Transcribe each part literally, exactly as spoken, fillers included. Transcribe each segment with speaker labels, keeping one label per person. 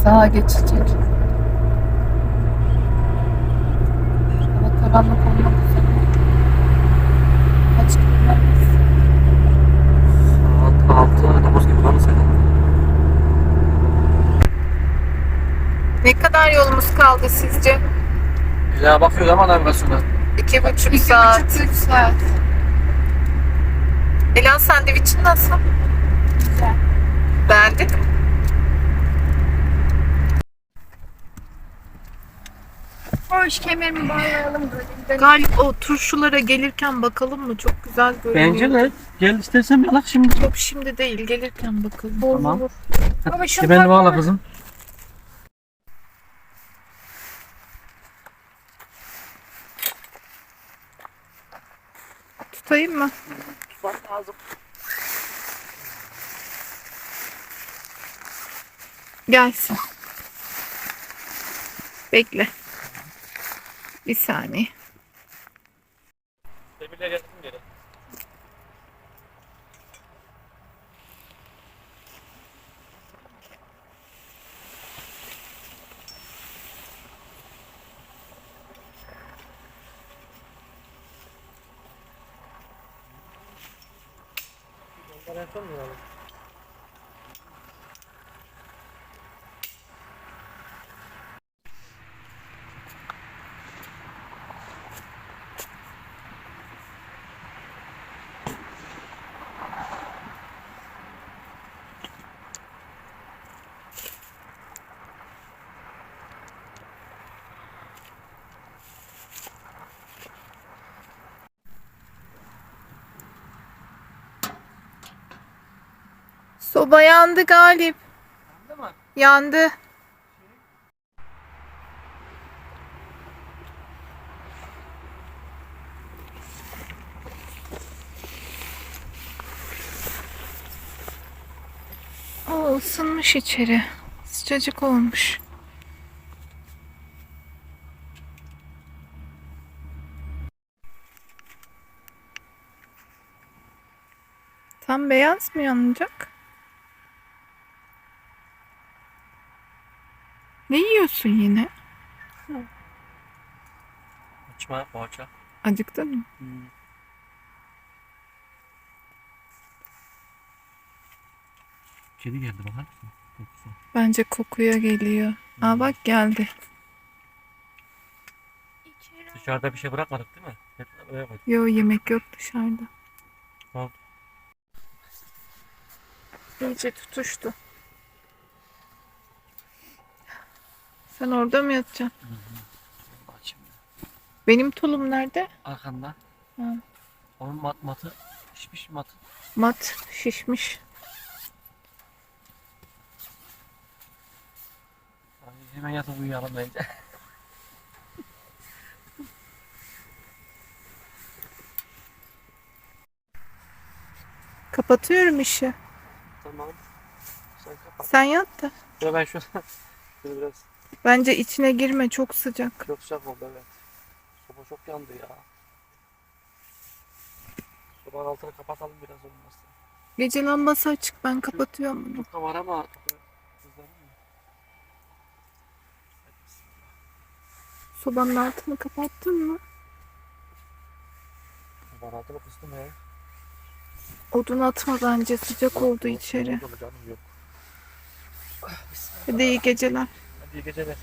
Speaker 1: Sağa geçecek. Hava karanlık olmak üzere. Kaç kilometre?
Speaker 2: Saat altı dokuz gibi falan sayılır.
Speaker 1: Ne kadar yolumuz kaldı sizce?
Speaker 2: Ya bakıyor ama navigasyona.
Speaker 1: İki buçuk saat.
Speaker 3: İki buçuk saat.
Speaker 1: Elan sandviçin nasıl?
Speaker 3: Güzel.
Speaker 1: Beğendin mi?
Speaker 3: Hoş, kemerimi bağlayalım böyle gidelim.
Speaker 1: Galip o turşulara gelirken bakalım mı? Çok güzel görünüyor.
Speaker 2: Bence de. Gel istersen yalak şimdi.
Speaker 1: Yok şimdi değil, gelirken bakalım.
Speaker 2: Tamam.
Speaker 3: Baba şunu
Speaker 2: Kemerini bağla
Speaker 3: takma.
Speaker 2: kızım.
Speaker 1: Tutayım mı?
Speaker 2: Tutmak lazım.
Speaker 1: Gelsin. Bekle. Bir saniye.
Speaker 2: Demirle geldim geri. Ondan en son mu yani?
Speaker 1: Soba yandı Galip.
Speaker 2: Anladın mı?
Speaker 1: Yandı. O ısınmış içeri. Sıcacık olmuş. Tam beyaz mı yanacak? Ne yiyorsun yine?
Speaker 2: Açma poğaça.
Speaker 1: Acıktın mı?
Speaker 2: Hmm. Kedi geldi bakar mısın? Kokusu.
Speaker 1: Bence kokuya geliyor. Aa bak geldi.
Speaker 2: Dışarıda bir şey bırakmadık değil mi? Hep öyle koyduk.
Speaker 1: Yo yemek yok dışarıda.
Speaker 2: Tamam.
Speaker 1: İyice tutuştu. Sen orada mı yatacaksın?
Speaker 2: Açayım ya.
Speaker 1: Benim tulum nerede?
Speaker 2: Arkanda.
Speaker 1: Ha.
Speaker 2: Onun mat matı. Pişmiş matı.
Speaker 1: Mat şişmiş.
Speaker 2: Ay, hemen yatıp uyuyalım bence.
Speaker 1: Kapatıyorum işi.
Speaker 2: Tamam. Sen kapat.
Speaker 1: Sen yat da.
Speaker 2: Ya ben şunu, şunu biraz
Speaker 1: Bence içine girme, çok sıcak.
Speaker 2: çok sıcak oldu evet. Soba çok yandı ya. Sobanın altını kapatalım biraz olmazsa.
Speaker 1: Gece lambası açık, ben kapatıyorum bunu.
Speaker 2: Çok da var ama kızlarım mı?
Speaker 1: Sobanın altını kapattın mı?
Speaker 2: Sobanın altını kıstım ya.
Speaker 1: Odun atma bence, sıcak oldu içeri.
Speaker 2: Yok, yok canım yok.
Speaker 1: Hadi iyi geceler.
Speaker 2: Hadi iyi geceler.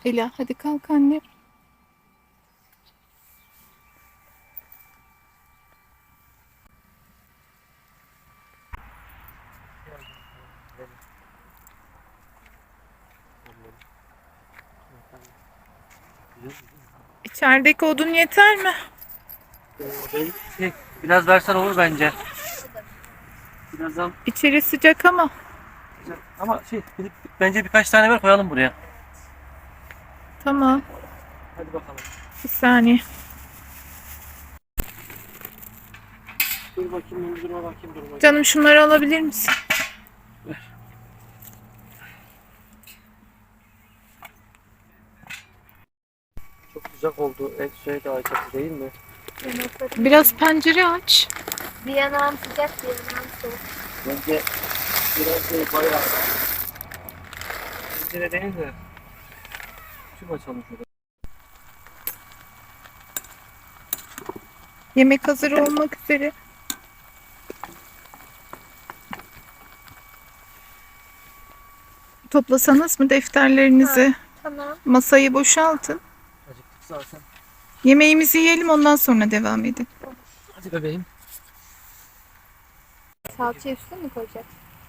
Speaker 1: Ela hadi kalk anne. İçerideki odun yeter mi?
Speaker 2: Şey, biraz versen olur bence. Birazdan
Speaker 1: İçeri sıcak ama.
Speaker 2: ama şey bir- bence birkaç tane ver koyalım buraya.
Speaker 1: Tamam.
Speaker 2: Hadi bakalım.
Speaker 1: Bir saniye.
Speaker 2: Dur bakayım, dur durma bakayım, dur bakayım.
Speaker 1: Canım şunları alabilir misin?
Speaker 2: Çok sıcak oldu. Et şey de açık değil mi?
Speaker 3: Yanaklarım.
Speaker 1: Biraz pencere aç.
Speaker 3: Bir yanağım sıcak, bir yanağım soğuk.
Speaker 2: Bence biraz şey bayağı. Pencere değil de. Tüm açalım şurada.
Speaker 1: Yemek hazır olmak üzere. Toplasanız mı defterlerinizi?
Speaker 3: Tamam.
Speaker 1: Masayı boşaltın.
Speaker 2: Acıktık zaten.
Speaker 1: Yemeğimizi yiyelim ondan sonra devam edin.
Speaker 2: Hadi bebeğim.
Speaker 3: Salça üstüne mi koyacak?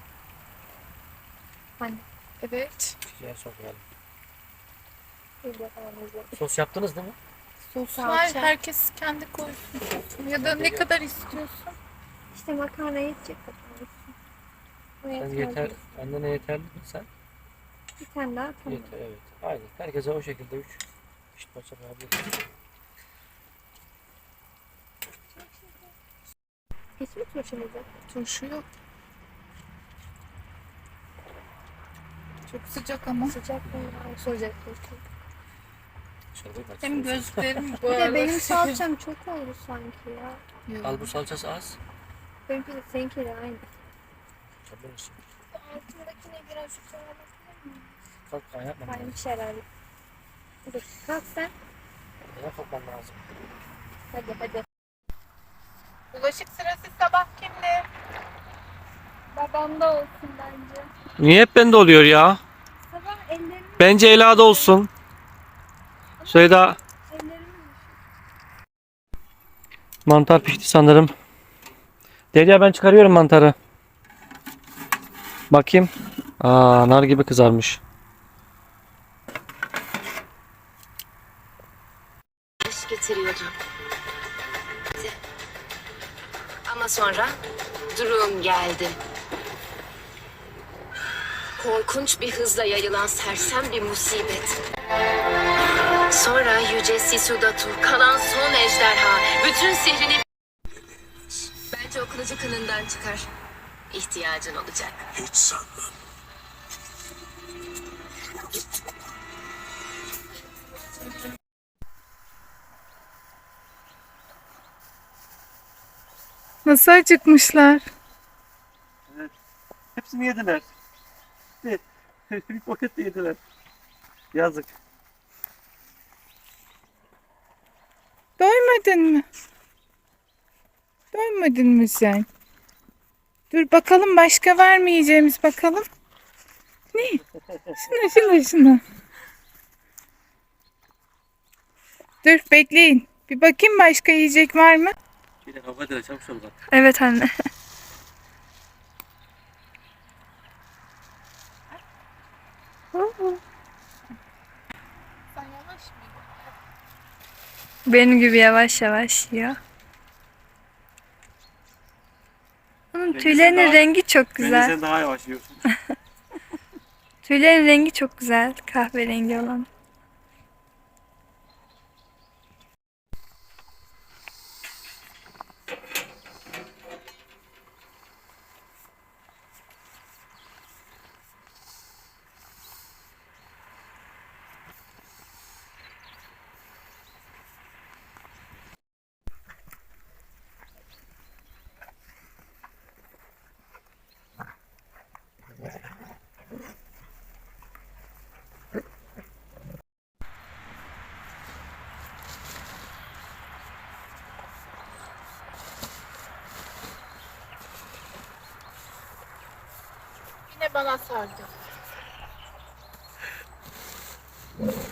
Speaker 3: Hani
Speaker 1: Evet.
Speaker 2: Şuraya sokmayalım.
Speaker 3: bir de falan izledim.
Speaker 2: Sos yaptınız değil mi?
Speaker 1: Sos
Speaker 3: Salça.
Speaker 1: var. Herkes kendi koysun. Ya da ne kadar istiyorsun?
Speaker 3: İşte makarna yetecek kadar olsun. O
Speaker 2: Sen
Speaker 3: yeter.
Speaker 2: yeter. Annene yeterli mi sen?
Speaker 3: Bir tane daha tamam.
Speaker 2: Yeter, evet. Aynen. Herkese o şekilde üç. İşte parça yapabiliriz.
Speaker 3: Hiç mi turşumuzu?
Speaker 1: Turşu yok. Çok sıcak ama.
Speaker 3: Sıcak mı? Ay, Sıcak turşu.
Speaker 2: Dışarıda kaç
Speaker 1: Hem
Speaker 2: sos.
Speaker 1: gözlerim bu
Speaker 3: Bir de
Speaker 1: arada.
Speaker 3: benim salçam çok oldu sanki ya.
Speaker 2: Al bu salçası az.
Speaker 3: Benimki de seninki de aynı.
Speaker 2: Tabii olsun.
Speaker 3: Altındakine biraz şu kadar bakabilir miyim?
Speaker 2: Kalk kaynatma.
Speaker 3: Kaymış herhalde. Dur kalk sen.
Speaker 2: Neden kalkman lazım?
Speaker 3: Hadi hadi.
Speaker 1: Bulaşık sırası sabah kimde?
Speaker 3: Babamda olsun bence.
Speaker 2: Niye hep bende oluyor ya?
Speaker 3: Sabah ellerimi
Speaker 2: Bence Ela'da olsun. Söyle
Speaker 3: ellerimi
Speaker 2: mantar pişti sanırım. Derya ben çıkarıyorum mantarı. Bakayım. Aa, nar gibi kızarmış.
Speaker 4: İş getiriyordu. Ama sonra durum geldi. Korkunç bir hızla yayılan sersem bir musibet. Sonra Yüce Sisudatu, kalan son ejderha, bütün sihrini... Bence o kılıcı kınından çıkar. İhtiyacın olacak.
Speaker 5: Hiç sanmam.
Speaker 1: Nasıl acıkmışlar?
Speaker 2: Hepsini yediler. Bir, bir paket de yediler. Yazık.
Speaker 1: Doymadın mı? Doymadın mı sen? Dur bakalım başka var mı yiyeceğimiz bakalım. Ne? Şuna şuna şuna. Dur bekleyin. Bir bakayım başka yiyecek var mı?
Speaker 2: Şöyle kavga eder çabuk ol bak.
Speaker 3: Evet anne.
Speaker 1: Sen yavaş mı?
Speaker 3: Benim gibi yavaş yavaş yiyor. Onun
Speaker 2: Bence
Speaker 3: tüylerinin
Speaker 2: sen daha-
Speaker 3: rengi çok
Speaker 2: Bence
Speaker 3: güzel.
Speaker 2: sen daha yavaş yiyorsun.
Speaker 3: Tüylerin rengi çok güzel. Kahverengi olan.
Speaker 1: Yine bana sardı.